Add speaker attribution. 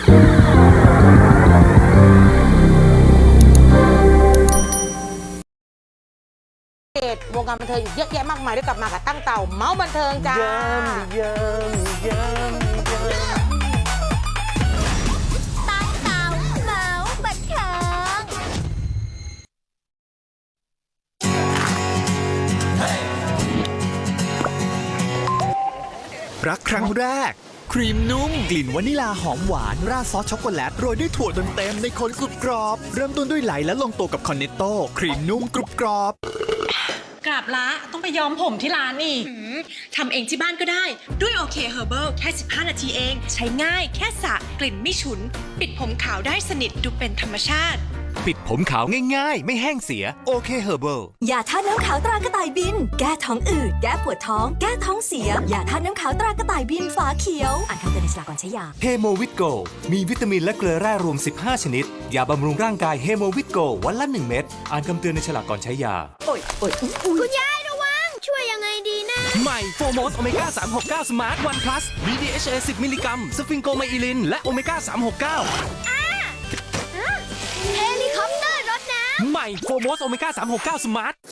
Speaker 1: วงการบันเทิงอีกเยอะแยะมากมายได้กลับมากับตั้งเต่าเมาส์บันเทิงจ้า
Speaker 2: ตั้งเต่าเมาส์บันเทิง
Speaker 3: รักครั้งแรกครีมนุ่มกลิ่นวานิลาหอมหวานราดซอสช็อกโกแลตโรยด้วยถั่วเต็มในคนกรุบกรอบเริ่มต้นด้วยไหลและลงตัวกับคอนเนตโต้ครีมนุ่มกรุบกรอบ
Speaker 4: กราบละต้องไปย้อมผมที่ร้านนี่ทำเองที่บ้านก็ได้ด้วยโอเคเฮอร์เบิลแค่15 นาทีเองใช้ง่ายแค่สระกลิ่นไม่ฉุนปิดผมขาวได้สนิทดูเป็นธรรมชาติ
Speaker 3: ปิดผมขาวง่ายๆไม่แห้งเสียโอเคเฮอร์เบิล
Speaker 5: ยาธาตุน้ำขาวตรากระต่ายบินแก้ท้องอืดแก้ปวดท้องแก้ท้องเสียยาธาตุน้ำขาวตรากระต่ายบินฝาเขียวอ่านคำเตือนในฉลากก่อนใช้ยา
Speaker 3: เฮโมวิตโกมีวิตามินและเกลือแร่รวม15ชนิดยาบำรุงร่างกายเฮโมวิตโกวันละ1 เม็ดอ่านคำเตือนในฉลากก่อนใช้ยา
Speaker 2: คุณยายระวังช่วยยังไงดีนะ
Speaker 3: ใหม่โฟโมสโอเมก้า369สมาร์ทวันพลัสมี DHA 10 มิลลิกรัมสฟิงโกไมอิลินและโอเมก้า369
Speaker 2: เฮลิคอปเตอร์รถน้ำ
Speaker 3: ใหม่โฟโมสโอเมก้า369สมาร์ท